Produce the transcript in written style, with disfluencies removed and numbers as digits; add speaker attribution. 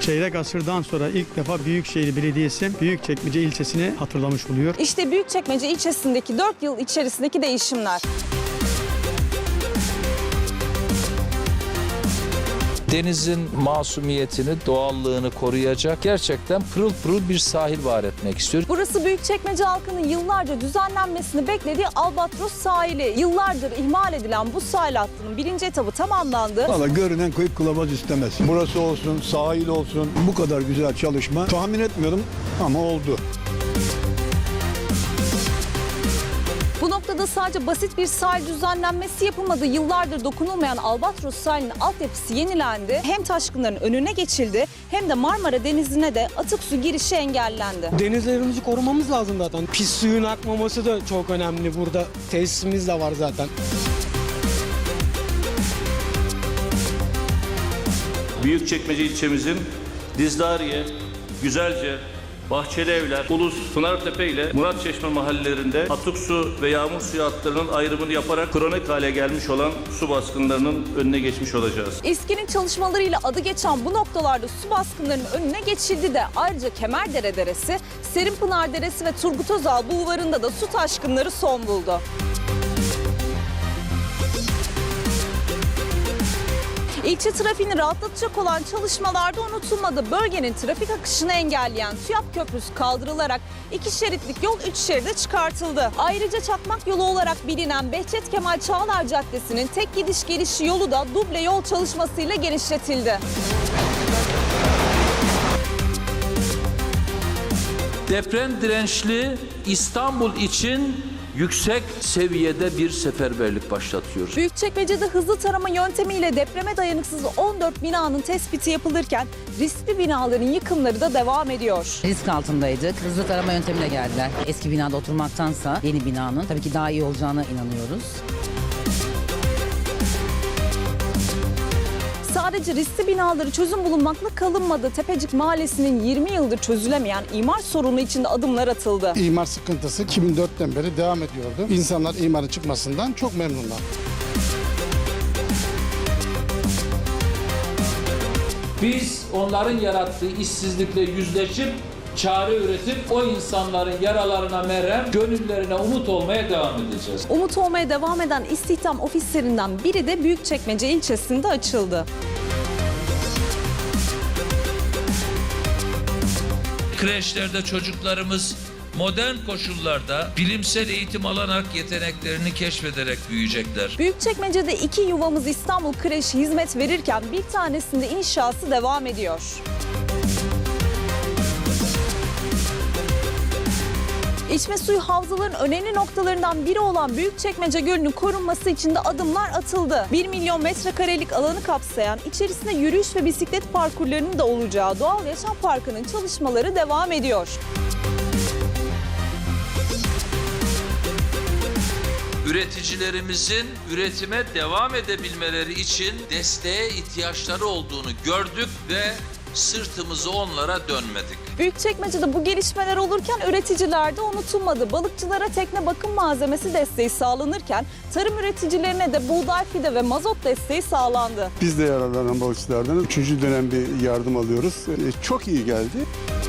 Speaker 1: Çeyrek asırdan sonra ilk defa Büyükşehir Belediyesi Büyükçekmece ilçesini hatırlamış oluyor.
Speaker 2: İşte Büyükçekmece ilçesindeki 4 yıl içerisindeki değişimler.
Speaker 3: Denizin masumiyetini, doğallığını koruyacak gerçekten pırıl pırıl bir sahil var etmek istiyor.
Speaker 2: Burası Büyükçekmece halkının yıllarca düzenlenmesini beklediği Albatros sahili. Yıllardır ihmal edilen bu sahil hattının 1. etabı tamamlandı.
Speaker 4: Valla görünen koyup kılavuz istemez. Burası olsun, sahil olsun, bu kadar güzel çalışma tahmin etmiyordum ama oldu.
Speaker 2: Bu noktada sadece basit bir sahil düzenlenmesi yapılmadı. Yıllardır dokunulmayan Albatros sahilinin altyapısı yenilendi. Hem taşkınların önüne geçildi hem de Marmara Denizi'ne de atık su girişi engellendi.
Speaker 5: Denizlerimizi korumamız lazım zaten. Pis suyun akmaması da çok önemli burada. Tesisimiz de var zaten.
Speaker 6: Büyükçekmece ilçemizin Dizdariye, Güzelce, Bahçelievler, Ulus, Pınartepe ile Muratçeşme mahallelerinde atık su ve yağmur suyu hatlarının ayrımını yaparak kronik hale gelmiş olan su baskınlarının önüne geçmiş olacağız.
Speaker 2: İSKİ'nin çalışmalarıyla adı geçen bu noktalarda su baskınlarının önüne geçildi de ayrıca Kemerdere Deresi, Serinpınar Deresi ve Turgut Özal Bulvarı'nda da su taşkınları son buldu. İlçe trafiğini rahatlatacak olan çalışmalarda unutulmadı. Bölgenin trafik akışını engelleyen TÜYAP Köprüsü kaldırılarak 2 şeritlik yol 3 şeride çıkartıldı. Ayrıca Çakmak Yolu olarak bilinen Behçet Kemal Çağlar Caddesi'nin tek gidiş geliş yolu da duble yol çalışmasıyla genişletildi.
Speaker 3: Deprem dirençli İstanbul için yüksek seviyede bir seferberlik başlatıyoruz.
Speaker 2: Büyükçekmece'de hızlı tarama yöntemiyle depreme dayanıksız 14 binanın tespiti yapılırken riskli binaların yıkımları da devam ediyor.
Speaker 7: Risk altındaydık. Hızlı tarama yöntemiyle geldiler. Eski binada oturmaktansa yeni binanın tabii ki daha iyi olacağına inanıyoruz.
Speaker 2: Sadece riskli binaları çözüm bulunmakla kalınmadı. Tepecik Mahallesi'nin 20 yıldır çözülemeyen imar sorunu içinde adımlar atıldı.
Speaker 8: İmar sıkıntısı 2004'ten beri devam ediyordu. İnsanlar imarın çıkmasından çok memnunlar.
Speaker 3: Biz onların yarattığı işsizlikle yüzleşip çare üretip o insanların yaralarına merhem, gönüllerine umut olmaya devam edeceğiz.
Speaker 2: Umut olmaya devam eden istihdam ofislerinden biri de Büyükçekmece ilçesinde açıldı.
Speaker 3: Kreşlerde çocuklarımız modern koşullarda bilimsel eğitim alarak yeteneklerini keşfederek büyüyecekler.
Speaker 2: Büyükçekmece'de 2 yuvamız İstanbul Kreşi hizmet verirken bir tanesinde inşası devam ediyor. İçme suyu havzaların önemli noktalarından biri olan Büyükçekmece Gölü'nün korunması için de adımlar atıldı. 1 milyon metrekarelik alanı kapsayan, içerisinde yürüyüş ve bisiklet parkurlarının da olacağı Doğal Yaşam Parkı'nın çalışmaları devam ediyor.
Speaker 3: Üreticilerimizin üretime devam edebilmeleri için desteğe ihtiyaçları olduğunu gördük ve sırtımızı onlara dönmedik.
Speaker 2: Büyükçekmece'de bu gelişmeler olurken üreticiler de unutulmadı. Balıkçılara tekne bakım malzemesi desteği sağlanırken tarım üreticilerine de buğday fide ve mazot desteği sağlandı.
Speaker 4: Biz de yararlanan balıkçılardan 3. dönem bir yardım alıyoruz. Çok iyi geldi.